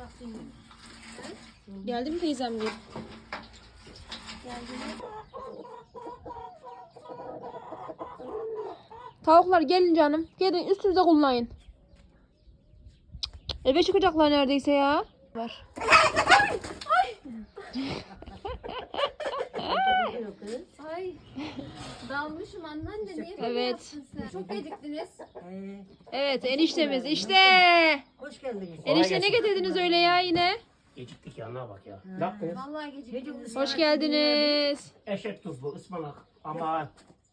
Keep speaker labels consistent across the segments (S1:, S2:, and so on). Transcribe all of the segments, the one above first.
S1: Geldi mi teyzem gibi? Tavuklar gelin canım. Gelin üstünüze kullanın. Eve çıkacaklar neredeyse ya. Var.
S2: Ay. Dalmışım anneanne niye böyle
S1: Evet.
S2: yaptın sen? Çok geciktiniz.
S1: Evet eniştemiz işte.
S3: Hoş geldiniz.
S1: Enişte ne getirdiniz öyle ya yine?
S4: Geciktik ya, ne bak ya. Ne yaptınız?
S2: Vallahi geciktiniz.
S1: Hoş geldiniz.
S4: Eşek tuzlu, ıspanak, ama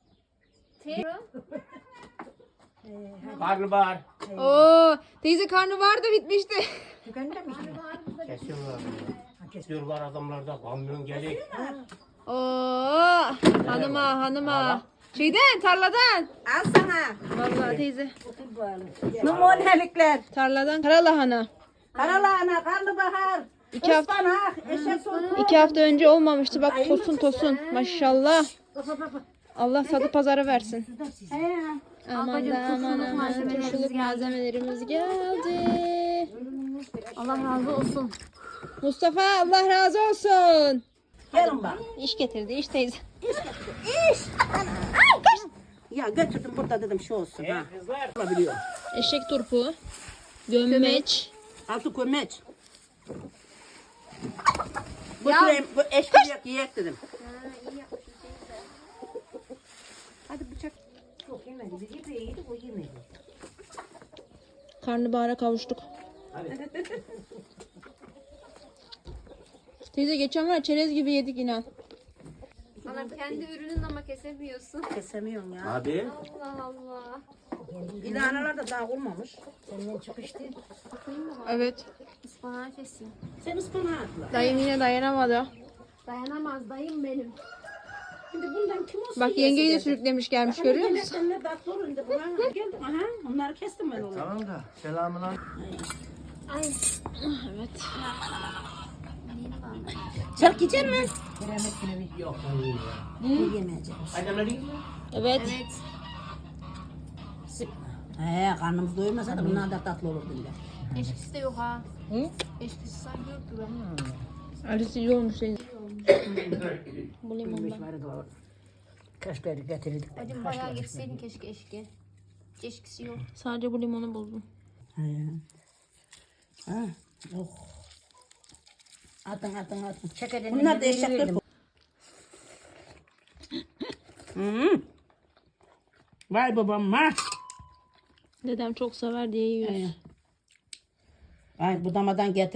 S4: karnabahar.
S1: Oo, teyze karnı vardı bitmişti.
S3: Tükenmemiş mi?
S4: Kesiyorlar. Kesiyorlar adamlarda. Kamyon gelik.
S1: Oo, hanıma. Şeyden tarladan.
S3: Al sana.
S1: Vallahi teyze.
S3: Numunelikler.
S1: Tarladan karalahana.
S3: Karalahana, karnabahar,
S1: İki hafta,
S3: ıspanak, eşek sotu.
S1: 2 hafta önce olmamıştı. Bak tosun. Maşallah. Allah sadı pazara versin. Aman turşuluk malzemelerimiz geldi.
S2: Allah razı olsun.
S1: Mustafa Allah razı olsun.
S3: Gelin bak.
S1: İş getirdi iş teyze.
S3: Ya götürdüm burada dedim şu olsun ha.
S4: Kızlar.
S3: Olabiliyor.
S1: Eşek turpu. Gömmeç.
S3: Altı kömeç. Götüreyim, bu eşkili yiyek dedim. Hadi bıçak. Yok yemedi. Biz yemeği yedik, o yemedi.
S1: Karnabahara kavuştuk. Teyze geçen var çerez gibi yedik inan.
S2: Anam kendi ürünün ama kesemiyorsun.
S3: Kesemiyorum ya.
S4: Abi.
S2: Allah Allah.
S3: İlanalar da daha olmamış. Senden çıkıştı.
S1: Evet.
S2: Ispanağı keseyim.
S3: Sen ıspanağı atla.
S1: Dayım yine dayanamadı.
S2: Dayanamaz dayım benim.
S3: Şimdi bundan kim olsun?
S1: Bak yengeyi de sürüklemiş gelmiş görüyor musun?
S3: Sen ne tatlı olun da buna geldim. Aha, onları kestim ben onu.
S4: Tamam da. Selamun aleyküm.
S2: Ay.
S1: Evet.
S3: Çark yiyecek mi?
S4: Yok, ben yiyeyim ya.
S3: Yemeyeceğim.
S4: Hadi anladın mı?
S1: Evet.
S2: Evet.
S3: Karnımız doymasa da bunlar da tatlı olur bunda.
S2: Eşkisi de yok ha. Hı? Eşkisi sanki yok gibi.
S1: Arısı iyi olmuş teyze. Bu limondan.
S3: Kaşları getirdik.
S2: Hadi bayağı geçseydin keşke eşki. Eşkisi yok.
S1: Sadece bu limonu buldum.
S3: Ha. Oh. Atın. Bunlar da eşekler. Vay babam ha.
S1: Dedem çok sever diye yiyoruz.
S3: Ay budamadan getir.